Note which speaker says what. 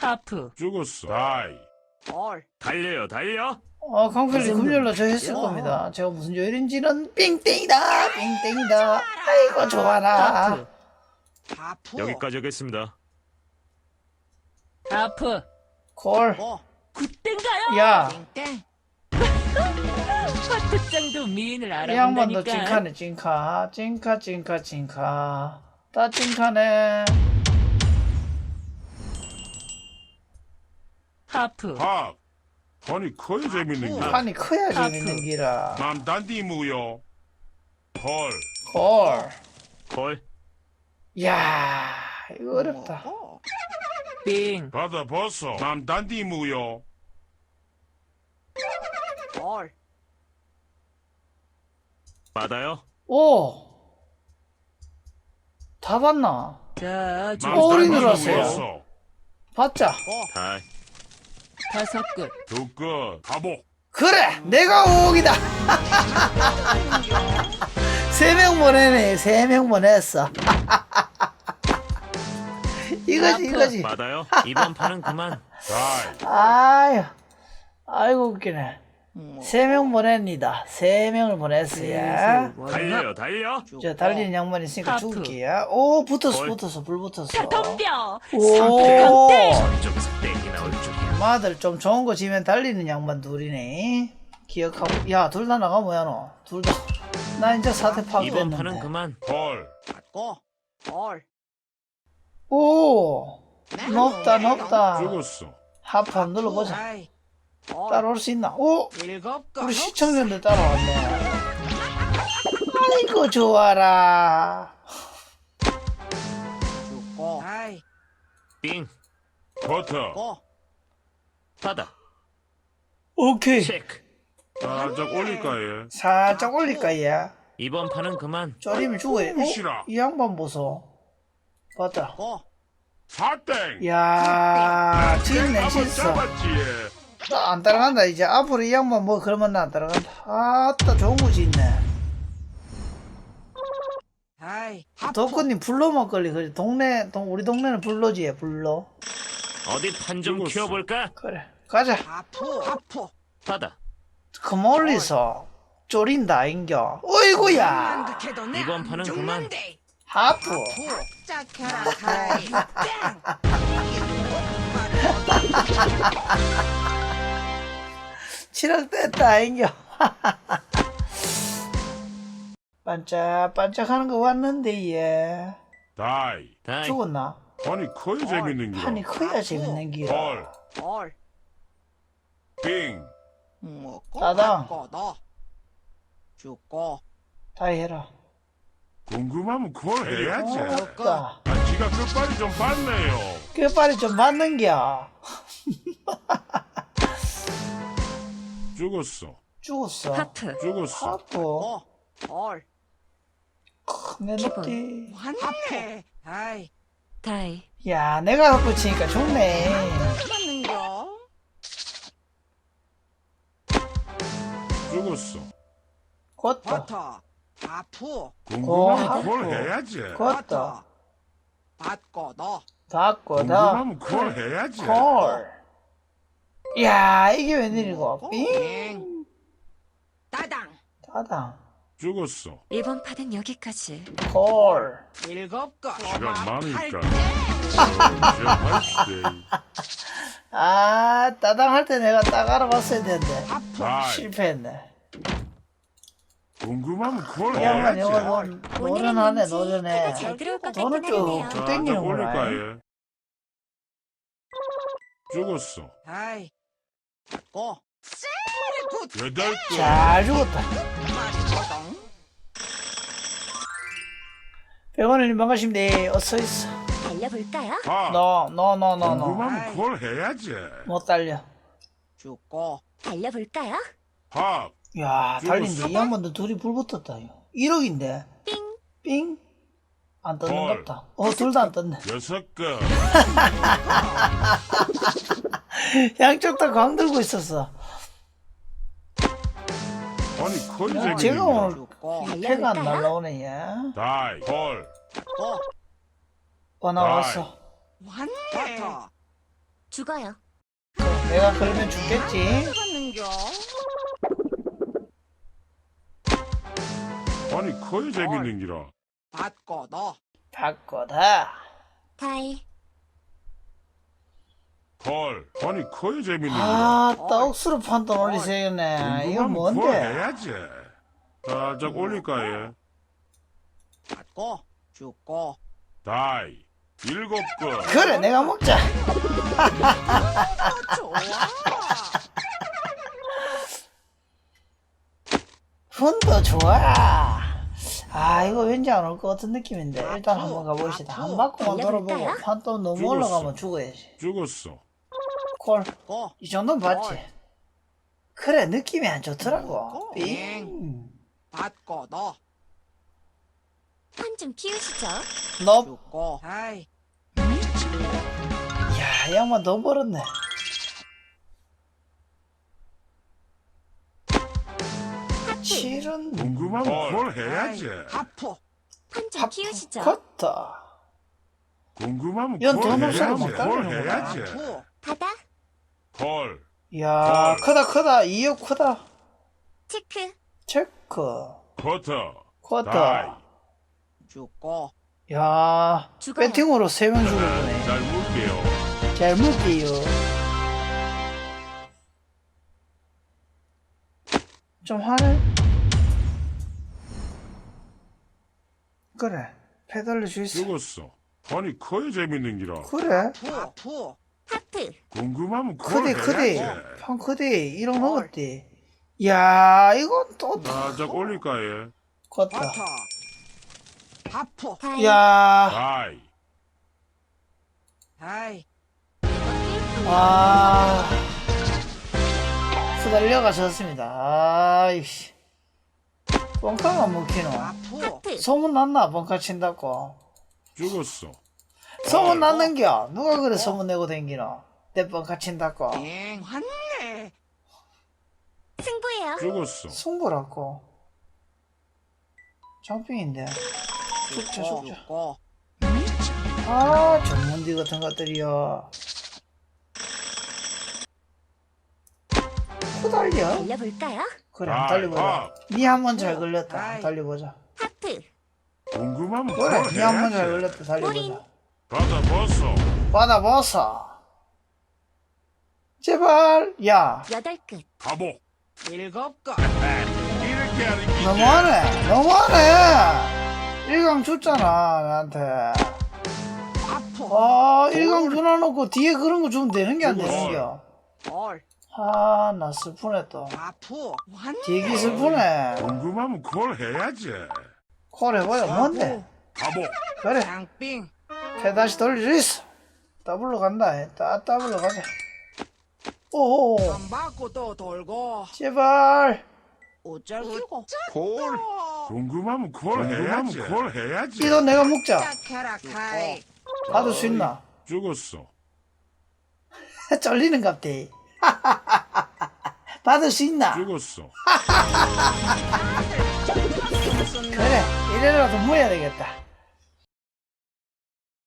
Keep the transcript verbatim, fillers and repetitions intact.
Speaker 1: 하프.
Speaker 2: 죽었어. 다이.
Speaker 3: 걸.
Speaker 4: 달려요, 달려.
Speaker 5: 어, 강필리
Speaker 1: 무슨
Speaker 5: 금요일날 저 했을
Speaker 3: 야.
Speaker 5: 겁니다. 제가 무슨 요일인지는 빙땡이다, 빙땡이다. 아이고, 좋아라.
Speaker 1: 하프.
Speaker 3: 하프.
Speaker 4: 여기까지 하겠습니다.
Speaker 1: 하프.
Speaker 5: 콜.
Speaker 3: 고.
Speaker 1: 굿땡가요?
Speaker 5: 야,
Speaker 3: 땡땡.
Speaker 1: 화투장도 미인을
Speaker 5: 이 양반도
Speaker 1: 알아본다니까.
Speaker 5: 찐카네, 찐카. 찐카, 찐카, 찐카. 다 찐카네.
Speaker 1: 하프.
Speaker 2: 밥. 아니 커야 재밌는 게.
Speaker 5: 판이 커야
Speaker 1: 하프.
Speaker 5: 재밌는 기라.
Speaker 2: 남 단디 무요. 헐.
Speaker 5: 콜.
Speaker 4: 콜.
Speaker 5: 야, 이거 어렵다.
Speaker 3: 고.
Speaker 1: 빙.
Speaker 2: 받아 벗어. 남 단디 무요.
Speaker 3: 걸.
Speaker 4: 받아요.
Speaker 5: 오! 다 봤나?
Speaker 1: 자,
Speaker 2: 남
Speaker 5: 어, 어디
Speaker 2: 단디
Speaker 5: 들어왔어요?
Speaker 2: 무였어.
Speaker 5: 봤자.
Speaker 3: 고.
Speaker 4: 다이.
Speaker 1: 다섯 끝.
Speaker 2: 두 끝. 가복.
Speaker 5: 그래! 내가 오기다! 세 명 보내네, 세 명 보냈어. 이거지, 이거지.
Speaker 4: 받아요. 이번 판은 그만.
Speaker 2: 다이.
Speaker 5: 아유, 아이고, 웃기네.
Speaker 3: 뭐.
Speaker 5: 세 명 보냅니다. 세 명을 보냈어요.
Speaker 4: 달려요, 달려.
Speaker 5: 저 달리는 양반 있으니까
Speaker 1: 하프.
Speaker 5: 죽을게요. 오, 붙었어,
Speaker 4: 걸.
Speaker 5: 붙었어, 불 붙었어.
Speaker 1: 덤벼.
Speaker 5: 오!
Speaker 4: 저쪽에서 땡이 나올 줄이야.
Speaker 5: 마들 좀 좋은 거 지면 달리는 양반 둘이네. 기억하고. 야, 둘 다 나가 뭐야, 너? 둘 다. 나 이제 사태
Speaker 4: 이번 판은
Speaker 5: 파악됐는데.
Speaker 4: 그만.
Speaker 2: 헐.
Speaker 3: 받고. 걸.
Speaker 5: 오! 높다, 높다.
Speaker 2: 죽었어.
Speaker 5: 하프 한번 눌러보자.
Speaker 3: 다이. 걸.
Speaker 5: 따라올 수 있나? 오!
Speaker 3: 일곱 거.
Speaker 5: 우리 시청자들 따라왔네. 아이고, 좋아라.
Speaker 3: 죽고. 다이.
Speaker 4: 빙.
Speaker 2: 버터.
Speaker 3: 고.
Speaker 4: 받아.
Speaker 5: 오케이.
Speaker 4: 체크.
Speaker 2: 살짝 올릴까요?
Speaker 5: 살짝 올릴까, 얘?
Speaker 4: 이번 판은 그만.
Speaker 5: 쪼리면 죽어요.
Speaker 2: 무시라.
Speaker 5: 어? 이 양반 보소. 봤다.
Speaker 3: 고.
Speaker 2: 사땡.
Speaker 5: 야, 진네,
Speaker 2: 한번
Speaker 5: 진짜.
Speaker 2: 잡았지.
Speaker 5: 나 안 따라간다. 이제 앞으로 이 양반 뭐 그러면 나 안 따라간다. 아따, 좋은 거 짓네.
Speaker 3: 다이. 하프.
Speaker 5: 덕후님 불로 막걸리. 그래. 동네, 동, 우리 동네는 불로지에, 불로.
Speaker 4: 어디 판 좀
Speaker 2: 죽었어.
Speaker 4: 키워볼까?
Speaker 5: 그래. 가자.
Speaker 3: 하프. 하프.
Speaker 4: 받아.
Speaker 5: 그 멀리서 쪼린다, 인겨. 어이구야.
Speaker 3: 만득해도 내
Speaker 4: 이번 판은 그만.
Speaker 3: 죽는데.
Speaker 5: 하프.
Speaker 3: 하프. 짝해라. 다이. 땡.
Speaker 5: 칠억 뗐다, 인겨. 반짝반짝 하는 거 왔는데, 얘.
Speaker 2: 다이.
Speaker 4: 다이.
Speaker 5: 죽었나?
Speaker 2: 아니 커야 재밌는 게.
Speaker 5: 판이 커야 재밌는 기라.
Speaker 2: 헐.
Speaker 3: 걸.
Speaker 2: 빙.
Speaker 3: 먹고.
Speaker 5: 따당.
Speaker 3: 받고 너. 죽고.
Speaker 5: 다이 해라.
Speaker 2: 궁금하면 그걸 해야지.
Speaker 5: 어, 없다.
Speaker 2: 아, 지가 끝발이 좀 봤네요.
Speaker 5: 끝발이 좀 맞는겨.
Speaker 2: 죽었어.
Speaker 5: 죽었어.
Speaker 1: 하프.
Speaker 2: 죽었어.
Speaker 5: 하프.
Speaker 3: 고. 걸.
Speaker 5: 내 높디.
Speaker 3: 하프. 다이.
Speaker 1: 다이.
Speaker 5: 야, 내가 하프 치니까 좋네.
Speaker 3: 맞는겨.
Speaker 2: 죽었어.
Speaker 5: 걷다.
Speaker 3: 버터. 하프.
Speaker 2: 궁금하면
Speaker 5: 어,
Speaker 2: 그걸
Speaker 5: 하프.
Speaker 2: 해야지.
Speaker 5: 걷다.
Speaker 3: 받고 너.
Speaker 5: 닫고, 다.
Speaker 2: 궁금하면 그걸 해야지.
Speaker 5: 콜. 야, 이게 웬일이고. 빙.
Speaker 3: 빙. 따당.
Speaker 5: 따당.
Speaker 2: 죽었어.
Speaker 1: 이번 판은 여기까지.
Speaker 5: 콜.
Speaker 3: 일곱 거.
Speaker 2: 시간 많으니까.
Speaker 3: 팔
Speaker 2: 시간 많을
Speaker 5: 아, 따당 할 때 내가 딱 알아봤어야 되는데.
Speaker 3: 하프.
Speaker 2: 다이.
Speaker 5: 실패했네.
Speaker 2: 궁금하면 그걸
Speaker 5: 이 양반
Speaker 2: 해야지.
Speaker 5: 영어 노- 노련하네, 노련해.
Speaker 1: 잘 들어올 것
Speaker 5: 돈은
Speaker 1: 같긴 하네요.
Speaker 5: 쭉쭉
Speaker 2: 자,
Speaker 5: 땡기는구나.
Speaker 2: 올릴까요? 죽었어.
Speaker 3: 다이. 받고. 굿.
Speaker 2: 여덟 끝.
Speaker 5: 잘 죽었다.
Speaker 3: 맛있거든.
Speaker 5: 백원님 반갑습니다. 어서 있어.
Speaker 1: 달려볼까요?
Speaker 2: 밥.
Speaker 5: 너, 너, 너, 너, 너.
Speaker 2: 궁금하면 그걸 해야지.
Speaker 5: 못 달려.
Speaker 3: 죽고.
Speaker 1: 달려볼까요?
Speaker 2: 밥.
Speaker 5: 야, 달린데
Speaker 2: 죽었어.
Speaker 5: 이 양반도 둘이 불 붙었다. 이거. 일억인데.
Speaker 1: 삥.
Speaker 5: 삥. 안
Speaker 2: 헐.
Speaker 5: 떴는갑다. 어, 둘 다 안 떴네.
Speaker 2: 여섯 끝.
Speaker 5: 양쪽 다 광 들고 있었어.
Speaker 2: 아니 거의
Speaker 5: 야,
Speaker 2: 재밌는
Speaker 5: 제가
Speaker 2: 게.
Speaker 5: 오늘
Speaker 3: 죽고.
Speaker 5: 패가 안 날라오네, 얘.
Speaker 2: 다이. 헐.
Speaker 3: 받고.
Speaker 5: 어, 나왔어.
Speaker 3: 왔네. 버터.
Speaker 1: 죽어요.
Speaker 5: 내가 그러면 죽겠지.
Speaker 3: 받는겨.
Speaker 2: 아니 커야 재밌는 기라.
Speaker 3: 받고 너.
Speaker 5: 바꿔다.
Speaker 1: 다이.
Speaker 2: 콜. 아니 커야 재밌는 기라.
Speaker 5: 아, 떡수로 판돈 올리세요네. 이거
Speaker 2: 궁금하면 콜
Speaker 5: 뭔데?
Speaker 2: 해야지. 살짝 올릴까 예.
Speaker 3: 받고 죽고.
Speaker 2: 다이. 일곱 거.
Speaker 5: 그래, 내가 먹자.
Speaker 3: 어, 좋아.
Speaker 5: 훈도 좋아. 아, 이거 왠지 안 올 것 같은 느낌인데. 일단 한번 가봅시다. 한 바퀴만 돌아보고
Speaker 1: 달려볼까요?
Speaker 5: 판돈 너무
Speaker 2: 죽었어.
Speaker 5: 올라가면 죽어야지.
Speaker 2: 죽었어.
Speaker 5: 콜.
Speaker 3: 고.
Speaker 5: 이 정도는 봤지.
Speaker 3: 콜.
Speaker 5: 그래, 느낌이 안 좋더라고.
Speaker 3: 어,
Speaker 5: 삥.
Speaker 3: 받고 너.
Speaker 1: 판 좀 키우시죠.
Speaker 5: 너,
Speaker 3: 죽고. 아이.
Speaker 5: 야, 이 양반 너 벌었네. 실은
Speaker 2: 궁금하면 콜 해야지.
Speaker 3: 아프.
Speaker 1: 판 좀 키우시죠.
Speaker 5: 컸다.
Speaker 2: 궁금하면
Speaker 5: 이건
Speaker 2: 콜
Speaker 5: 돈
Speaker 2: 해야지.
Speaker 5: 없어도 못
Speaker 2: 콜
Speaker 5: 따르는구나.
Speaker 2: 해야지.
Speaker 3: 아프.
Speaker 1: 바다.
Speaker 2: 콜.
Speaker 5: 야,
Speaker 2: 콜.
Speaker 5: 크다, 크다. 이억 크다.
Speaker 1: 체크.
Speaker 5: 체크.
Speaker 2: 커터.
Speaker 5: 쿼터.
Speaker 2: 다이.
Speaker 3: 죽고.
Speaker 5: 야,
Speaker 1: 죽어요.
Speaker 5: 배팅으로 세 명 죽었네.
Speaker 2: 잘 물게요.
Speaker 5: 잘 먹게요. 좀 화내? 그래, 페달을 줄 수.
Speaker 2: 죽었어. 아니 커야 재밌는 기라.
Speaker 5: 그래,
Speaker 3: 아프. 아프.
Speaker 1: 하프.
Speaker 2: 궁금하면 콜
Speaker 5: 크디, 크디.
Speaker 2: 해야지.
Speaker 5: 판 크디. 일억 넘었디. 야, 이건 또,
Speaker 2: 살짝 올릴까 예.
Speaker 5: 컸다.
Speaker 3: 버터. 아프.
Speaker 1: 다이.
Speaker 5: 야,
Speaker 2: 다이.
Speaker 3: 아이.
Speaker 5: 아. 후달려가 졌습니다. 아이씨. 뻥카가 먹히노.
Speaker 3: 아프.
Speaker 1: 하프.
Speaker 5: 소문 났나, 뻥카 친다고.
Speaker 2: 죽었어.
Speaker 5: 소문 났는겨. 누가 그래 소문 내고 댕기노. 내 뻥카 친다고.
Speaker 3: 엥 왔네.
Speaker 1: 승부예요.
Speaker 2: 죽었어.
Speaker 5: 승부라고. 장빙인데. 죽자,
Speaker 3: 죽고.
Speaker 5: 죽자.
Speaker 3: 죽고.
Speaker 5: 아, 전문디 같은 것들이요. 후달려?
Speaker 1: 달려볼까요?
Speaker 5: 그래, 한번 달려보자. 니 한 번 잘 걸렸다. 한번 달려보자.
Speaker 1: 하프.
Speaker 2: 궁금하면
Speaker 5: 그래,
Speaker 2: 콜
Speaker 5: 니 한 번 잘
Speaker 2: 해야지.
Speaker 5: 걸렸다. 달려보자.
Speaker 2: 받아 벗어.
Speaker 5: 받아보소. 제발, 야.
Speaker 1: 여덟 끝.
Speaker 2: 가복.
Speaker 3: 일곱 건.
Speaker 2: 이렇게 하는 게
Speaker 5: 너무하네. 너무하네. 일강 줬잖아, 나한테.
Speaker 3: 아프.
Speaker 5: 아, 일강 줘놔놓고 뒤에 그런 거 주면 되는 게 안 되는겨.
Speaker 3: 헐.
Speaker 5: 아, 나 슬프네 또.
Speaker 3: 아프. 왔네.
Speaker 5: 되게 슬프네.
Speaker 2: 궁금하면 콜 해야지.
Speaker 5: 콜 해봐요. 뭔데?
Speaker 2: 가복.
Speaker 5: 그래.
Speaker 3: 장빙.
Speaker 5: 배 다시 돌릴 수 있어. 더블로 간다. 따, 더블로 가자. 오,
Speaker 3: 안 받고 또 돌고.
Speaker 5: 제발.
Speaker 3: 어쩔 끼고.
Speaker 2: 콜. 궁금하면 콜 해야지. 콜 해야지.
Speaker 5: 이 돈 내가 먹자.
Speaker 3: 짝해라 카이.
Speaker 5: 받을 수 있나?
Speaker 2: 죽었어.
Speaker 5: 쫄리는 갑대. 받을 수 있나?
Speaker 2: 죽었어.
Speaker 5: 그래, 이래라도 모여야 되겠다.